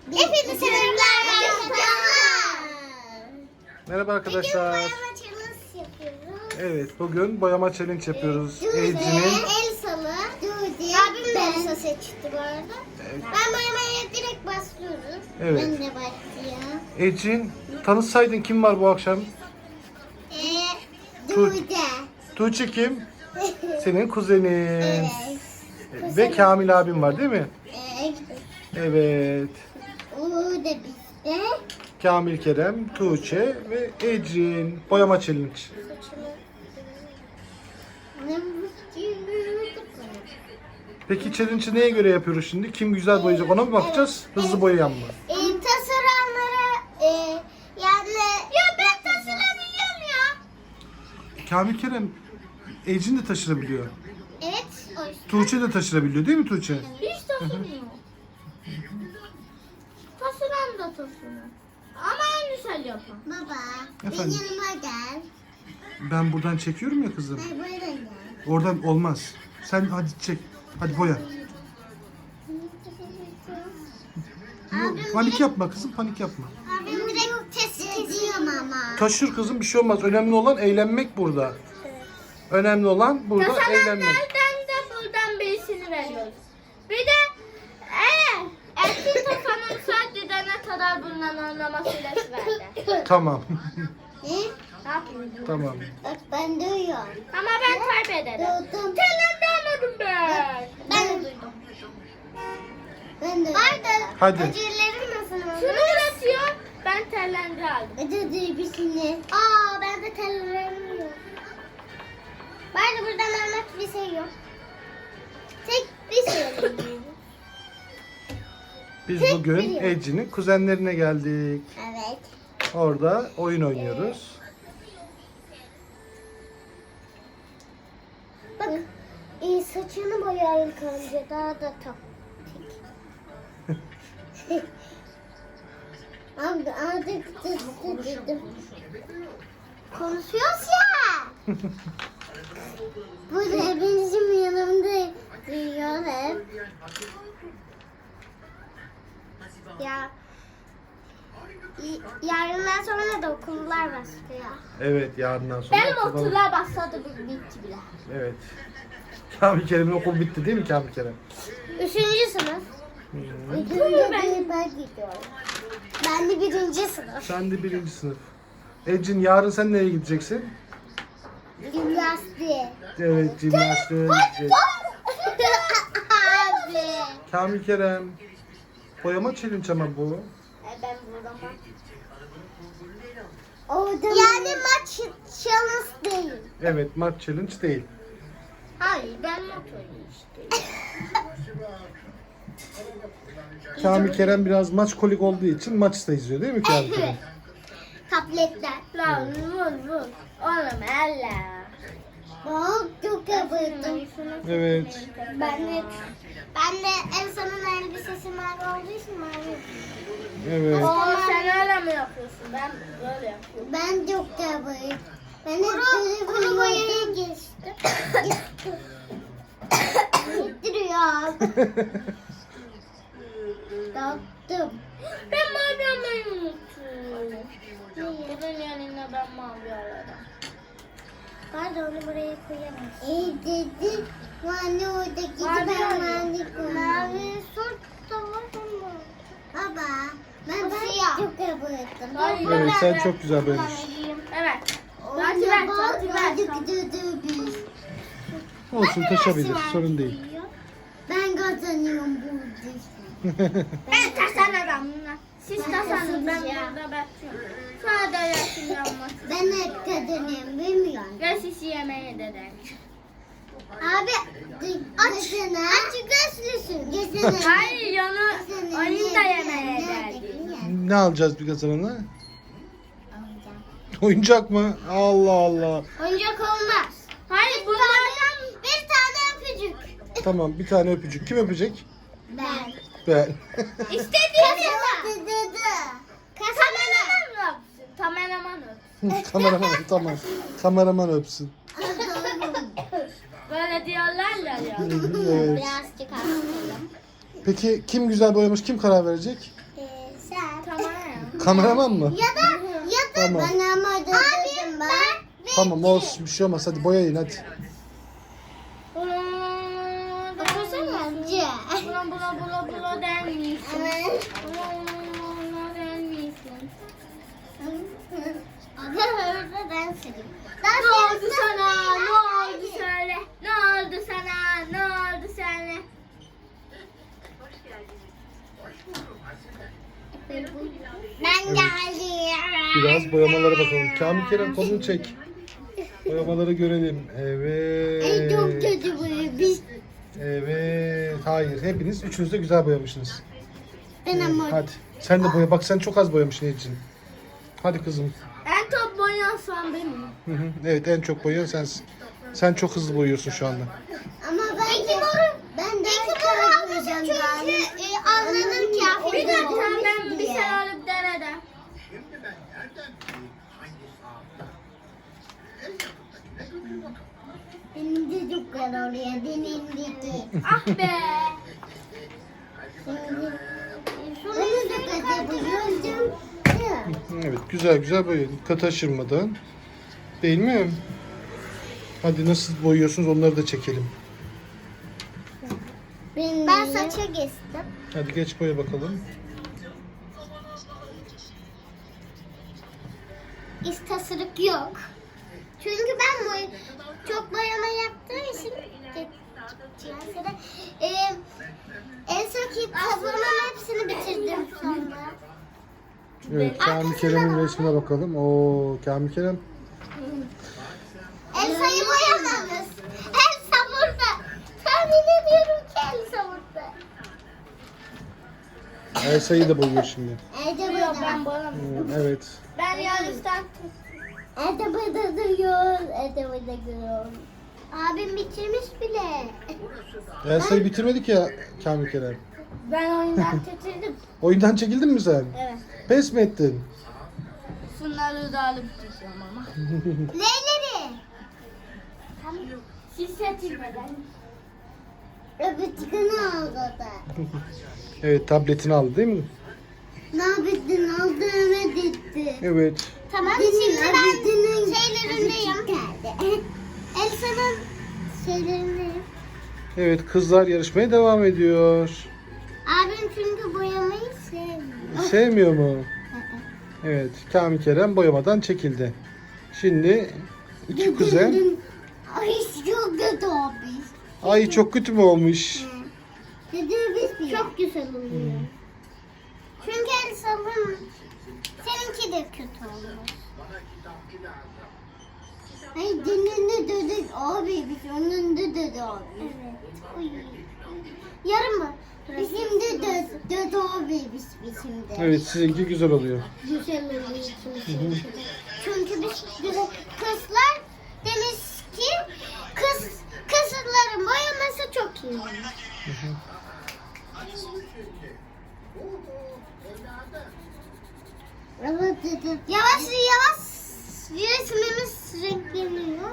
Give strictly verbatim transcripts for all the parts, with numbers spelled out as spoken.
Hepinize merhabalar. Merhaba Bugün arkadaşlar. boyama challenge yapıyoruz. Evet, bugün boyama challenge yapıyoruz. Dude, Ece'nin Elsa'lı, Dude. Abim de Elsa seçti bu arada. Evet. Ben boyamaya direkt başlıyorum. Evet. Ben de başlayayım. Ecin, tanışsaydın kim var bu akşam? Ee, Dude. Dude. Tuğçe kim? Senin kuzenin. Evet. Ve Kamil abim var değil mi? Evet. Evet. O da bizde. Kamil, Kerem, Tuğçe ve Ecin. Boyama challenge. Saçımı. Ne Peki challenge'ı neye göre yapıyoruz şimdi? Kim güzel boyayacak ona mı bakacağız? Hızlı boyayan mı? E, tasarımlara e, yani... Ya ben taşırabiliyorum ya. Kamil, Kerem, Ecin de taşırabiliyor. Evet. O yüzden. Tuğçe de taşırabiliyor değil mi Tuğçe? Hiç taşımıyor. Taşıran da taşımıyor. Ama en güzel yapan. Baba, Efendim? benim yanıma gel. Ben buradan çekiyorum ya kızım. Hayır, buradan gel. Oradan olmaz. Sen hadi çek. Hadi boya. Yok, panik yapma kızım, panik yapma. Abim direkt test ediyorum ama. Taşır kızım, bir şey olmaz. Önemli olan eğlenmek burada. Önemli olan burada eğlenmek. Taşananlardan da buradan birisini veriyoruz. Bir de eğer erkek tasanın sadece ne kadar bundan anlama süresi verdi. Tamam. Ne? Ne yapayım? Tamam. Bak ben duyuyorum. Ama ben kaybederim. Duydum. Telemde almadım ben. Ben de duydum. Ben de duydum. Vardı. Hadi. Acelerim nasıl? Şunu üretiyor. Ben tellendi aldım. Acı duygusunu. Aa ben de tellerim yok. Vardı buradan almak bir şey yok. Tek bir şey yok. Biz Tek bugün biliyorum. Ece'nin kuzenlerine geldik. Evet. Orada oyun oynuyoruz. Bak e, saçını boyayın önce daha da top. Abi artık dedim. Konuşuyoruz ya. Burada bizim yanımda duyuyor hep. Ya y- yarından sonra da okullar başlıyor. Evet, yarından sonra. Benim okuldan- okullar başladı bir bitti bile. Evet. Kamil Kerem'in okul bitti değil mi Kamil Kerem? Üçüncü sınıf. Hı. İkinci ben, ben gidiyorum. Ben de birinci sınıf. Sen de birinci sınıf. Ecin, yarın sen nereye gideceksin? Gimnastiğe. Evet, jimnastiğe gidecek. Abi. Kamil Kerem. Boyama challenge ama bu. Ben buradan Yani maç challenge değil. Evet, maç challenge değil. Hayır ben motorum işte. Kamil Kerem biraz maç kolik olduğu için maç da izliyor değil mi Kamil Kerem? Tabletler. Lan vur vur. Oğlum Allah. Bak çok yapıyordum. Evet. Ben de ben de Elsa'nın elbisesi mavi olduğu için mavi. Evet. Oo sen öyle mi yapıyorsun? Ben böyle yapıyorum. Ben çok yapıyordum. Ben de kuru, kuru boyaya geçtim. Gittiriyor. Taktım. Ben mavi almayı unuttum. Bunun yanına ben mavi alırım. Pardon onu buraya koyamaz. İyi dedi. Anne oradaki Mavi ben alayım. mavi koydum. Mavi sort da var ama. Baba ben ben çok yapıyordum. Hayır. Evet, sen çok güzel boyamışsın. Evet. Anne Lacivert, bak lacivert. hadi gidelim biz. Olsun, taşabilir. Sorun değil. Ben kazanıyorum burada. Ben taşanırım. Siz taşanın ben burada bekliyorum. Sonra da yaşın yanmaz. Ben hep kazanıyorum bilmiyorum. Ve sizi yemeğe dedim. Abi aç. Aç gözlüsün. Gözünü. Hayır yanı oyun da yemeğe geldi. Ne alacağız bir kazanana? Oyuncak mı? Allah Allah. Oyuncak olmaz. Hayır bunlardan Bir tane öpücük. Tamam, bir tane öpücük. Kim öpecek? Ben. Ben. istediğiniz Dedi dedi. kameraman mı öpsün? Kameraman öpsün. Kameraman, tamam. Kameraman öpsün. Böyle diyorlar ya ya. Evet. Biraz çıkartalım. Peki kim güzel boyamış? Kim karar verecek? Ee, Kameraman mı? Ya da ya da Tamam. ben ama dedim ben. Tamam olsun bir şey olmaz. Hadi boyayın hadi. Bakasana. Bula bula bula bula der misin? Evet. Bula bula bula der misin? Orada ben sileyim. Ne oldu sana? Ne oldu söyle? Ne oldu sana? Ne oldu söyle? Ben geldim. Biraz boyamalara bakalım. Kamil Kerem kolunu çek. Boyamaları görelim. Evet. Ay çok kötü bu. Biz Evet. Hayır. Hepiniz üçünüz de güzel boyamışsınız. ben ama Hadi. Sen de boya. Bak sen çok az boyamışsın Ecin. Hadi kızım. En top boyasan benim. Hı hı. Evet en çok boyayan sensin. Sen çok hızlı boyuyorsun şu anda. ama ben de ben de çünkü e, anladım ki Bir aferin dakika ben bir diye. şey alıp denedim. Benim de çok güzel oluyor. Benimdeki. Ah be. Onu da kaçırdım. Evet güzel güzel boya. Dikkat aşırmadan. Değil mi? Hadi nasıl boyuyorsunuz onları da çekelim. Ben saça geçtim. Hadi geç boya bakalım. İstasırık yok. Çünkü ben boy çok boyama yaptığım için Cihazda e, en son kitabımın hepsini bitirdim sonra. Evet Kamil Kerem'in resmine bakalım. Oo Kamil Kerem. Elsa'yı boyamamız. Elsa burada. Tahmin ediyorum ki Elsa burada. Elsa'yı da boyuyor şimdi. Elsa Yok burada. ben boyamıyorum. Hı, Evet. Ben yarıştan Elsa burada duruyor. Elsa burada duruyor. Abim bitirmiş bile. Elsa'yı bitirmedik ya Kamil Kerem. ben oyundan çekildim. Oyundan çekildin mi sen? Evet. Pes mi ettin? Şunları da alıp gideceğim ama. Neyleri? Siz seçilmeden. Öbürtükünü aldı da. Evet tabletini aldı değil mi? Ne yaptın? Aldı Ömer gitti. Evet. Tamam şimdi ben şeylerindeyim. Geldi. Elsa'nın şeylerindeyim. Evet kızlar yarışmaya devam ediyor. Abim çünkü boyamayı sevmiyor. Sevmiyor mu? Evet Kamil Kerem boyamadan çekildi. Şimdi iki kuzen. Ay çok kötü abi. Ay çok kötü mü olmuş? Dedi biz çok güzel oluyor. Çünkü Elsa'nın seninki de kötü oluyor. Ay dininde dedik abi biz onun da dedi abi. Evet. Uy. Yarın mı? Bizim de dedi, dedi abi biz bizim de. Evet sizinki güzel oluyor. Güzel oluyor çünkü. Çünkü biz güzel kızlar demiş ki kız kızların boyaması çok iyi. Evet dedi. Yavaş yavaş resmimiz renkleniyor.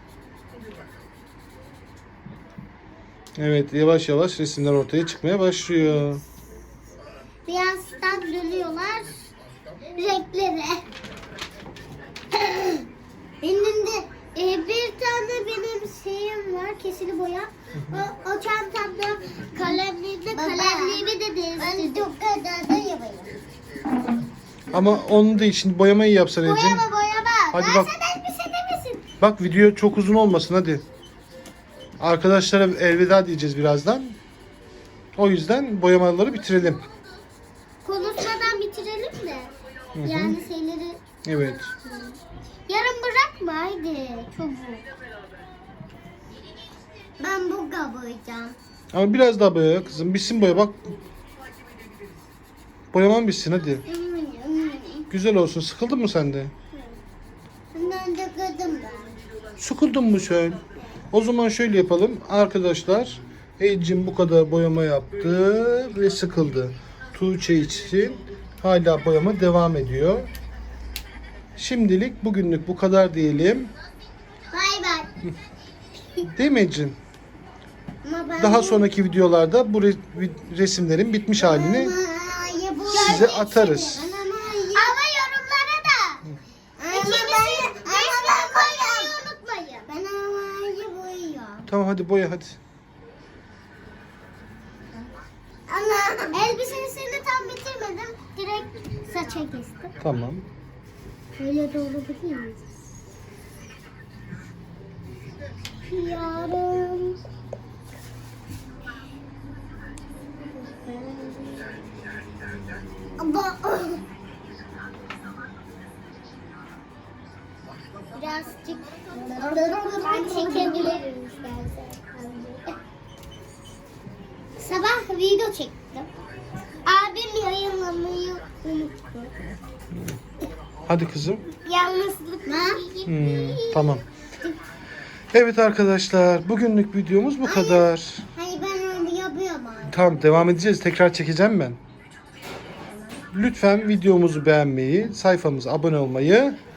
Evet yavaş yavaş resimler ortaya çıkmaya başlıyor. Birazdan dönüyorlar renklere. Benim de e, bir tane benim şeyim var, kesili boya. O, o çantamda kalemliğimde kalemliğimi de değiştirdim. Ben çok kadar da yapayım. Ama onun da için boyamayı yapsan Ecin. Boyama boyama. Hadi ben bak. sana bir şey demesin. Bak video çok uzun olmasın hadi. Arkadaşlara elveda diyeceğiz birazdan. O yüzden boyamaları bitirelim. Konuşmadan bitirelim de. Hı hı. Yani şeyleri Evet. yarın bırakma haydi. Çabuk. Ben bu boyayacağım. Ama biraz daha boya kızım. Bitsin boya bak. Boyaman bitsin hadi. Güzel olsun. Sıkıldın mı sen de? Ben de kırdım ben. Sıkıldın mı sen? O zaman şöyle yapalım. Arkadaşlar Ecin bu kadar boyama yaptı ve sıkıldı. Tuğçe için hala boyama devam ediyor. Şimdilik bugünlük bu kadar diyelim. Bay bay. Değil mi Ecin? Ama ben Daha sonraki videolarda bu re- resimlerin bitmiş halini size atarız. Ama tamam hadi boya hadi. Ama elbisesini tam bitirmedim. Direkt saça kestim. Tamam. Öyle de olabilir mi? Yarın. Ama birazcık ben çekebilirim istersen. Sabah video çektim. Abim yayınlamayı unuttu. Hadi kızım. Yalnızlık. Hmm, tamam. Evet arkadaşlar, bugünlük videomuz bu kadar. Hayır ben öyle yapıyorum abi. Tamam, devam edeceğiz. Tekrar çekeceğim ben. Lütfen videomuzu beğenmeyi, sayfamıza abone olmayı